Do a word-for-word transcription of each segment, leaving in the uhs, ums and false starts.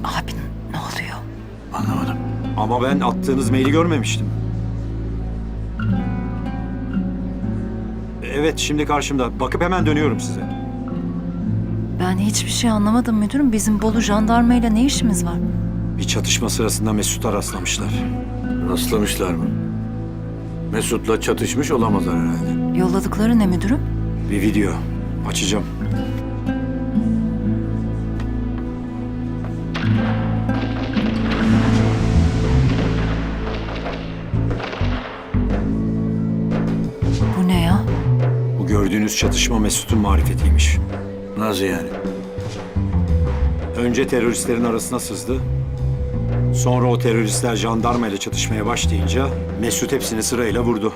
Abi ne oluyor? Anlamadım. Ama ben attığınız maili görmemiştim. Evet, şimdi karşımda. Bakıp hemen dönüyorum size. Ben hiçbir şey anlamadım müdürüm. Bizim Bolu jandarmayla ne işimiz var? Bir çatışma sırasında Mesut'a rastlamışlar. Rastlamışlar mı? Mesut'la çatışmış olamazlar herhalde. Yolladıkları ne müdürüm? Bir video. Açacağım. Bu ne ya? Bu gördüğünüz çatışma Mesut'un marifetiymiş. Nasıl yani? Önce teröristlerin arasına sızdı. Sonra o teröristler jandarma ile çatışmaya başlayınca Mesut hepsini sırayla vurdu.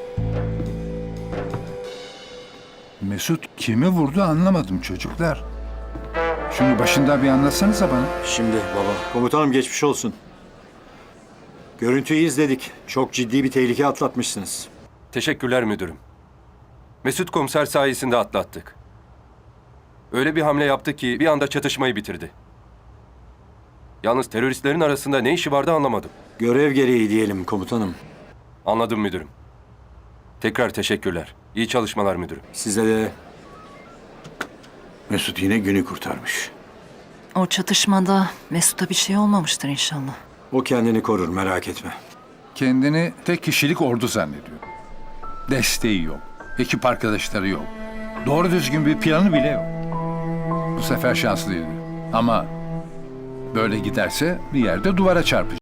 Mesut kimi vurdu anlamadım çocuklar. Şunu başından bir anlatsanıza bana. Şimdi baba. Komutanım geçmiş olsun. Görüntüyü izledik. Çok ciddi bir tehlike atlatmışsınız. Teşekkürler müdürüm. Mesut komiser sayesinde atlattık. Öyle bir hamle yaptı ki bir anda çatışmayı bitirdi. Yalnız teröristlerin arasında ne işi vardı anlamadım. Görev gereği diyelim komutanım. Anladım müdürüm. Tekrar teşekkürler. İyi çalışmalar müdürüm. Size de Mesut yine günü kurtarmış. O çatışmada Mesut'a bir şey olmamıştır inşallah. o kendini korur, merak etme. Kendini tek kişilik ordu zannediyor. Desteği yok. Ekip arkadaşları yok. Doğru düzgün bir planı bile yok. Bu sefer şanslıydı. Ama böyle giderse bir yerde duvara çarpacak.